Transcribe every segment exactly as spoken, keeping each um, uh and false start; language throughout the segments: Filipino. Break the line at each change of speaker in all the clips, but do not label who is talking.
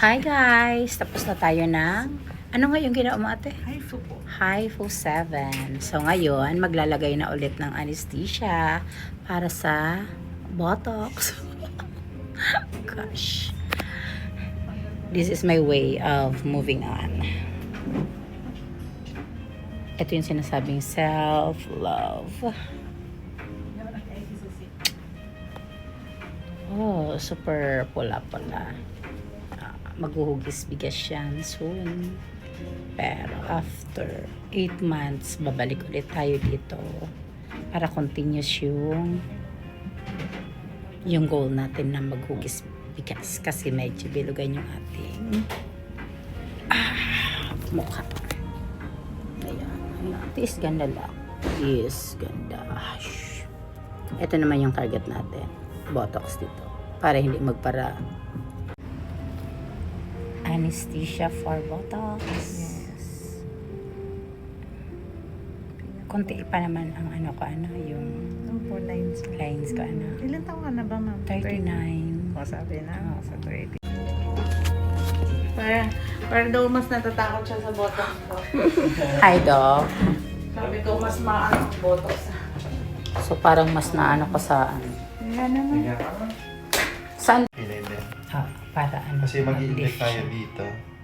Hi guys! Tapos na tayo ng... Ano nga yung ginawa mo ate?
Hypho po.
Hypho seven. So ngayon, maglalagay na ulit ng anesthesia para sa Botox. Gosh. This is my way of moving on. Ito yung sinasabing self-love. Oh, super pula-pula. Uh, maghuhugis bigas yan soon. Pero after eight months, babalik ulit tayo dito para continuous yung yung goal natin na maghugis bigas kasi medyo bilugan yung ating ah, mukha. Ayan. Ayan. Tiis ganda lang. Tiis ganda. Shhh. Ito naman yung target natin. Botox dito. Para hindi magpara. Anesthesia for Botox.
Yes.
Konti pa naman ang ano ko ano, yung
Ang four lines.
lines ko ano.
Ilan taon ka na ba, ma'am?
thirty-nine.
O, sabi na.
Oo.
Sa thirty. Para, para daw mas natatakot siya sa botox ko.
Hi, Doc.
Sabi ko, mas maano ang botox.
So, parang mas naano ko sa ano.
Yan naman.
Kaya ka?
Saan?
Pilay din.
Ah, para ano.
Kasi mag-i-inject
mag-lift
tayo
siya.
dito.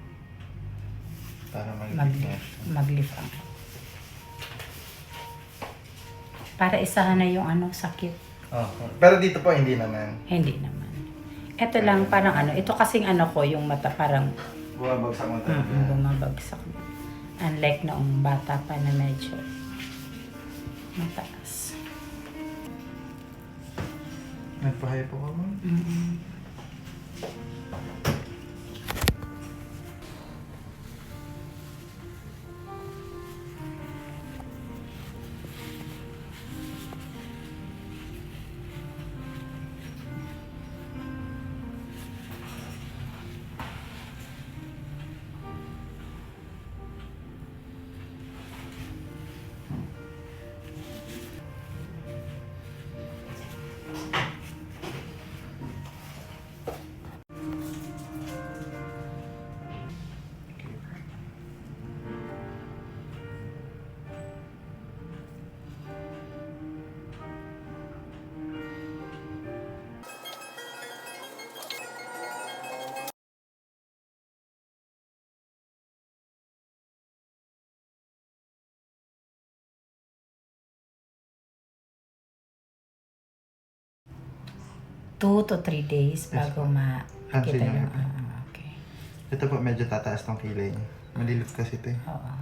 Para
Mag,
mag-lift niya.
mag-lift ang. Para isahan na yung ano, sakit.
Oh, pero dito po, hindi naman.
Hindi naman. Ito lang, parang ano. Ito kasing ano ko, yung mata parang
Bumabagsak mo tayo.
mm, bumabagsak. Unlike noong bata pa na medyo mataas.
Nagpahay po ka mo?
Mm-hmm. Two to three days bago
ma'am.
makita
Pansin
yung...
niyo.
Ah, okay.
Ito po, medyo tataas tong kilay niya. Malilift kasi ito eh.
Oo.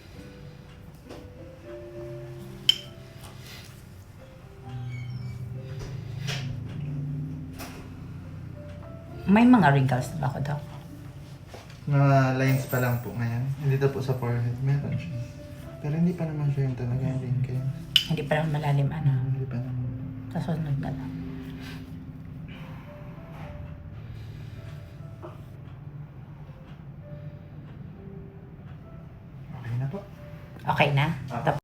May mga wrinkles na ba ako daw?
Mga lines pa lang po ngayon. Hindi po sa forehead. Meron siya. Pero hindi pa naman siya yung talaga yung wrinkles.
Hindi pa naman malalim ano.
Hindi pa naman.
Sa sunod na lang.
Okay na po.
Okay na?
Ah.
Tapos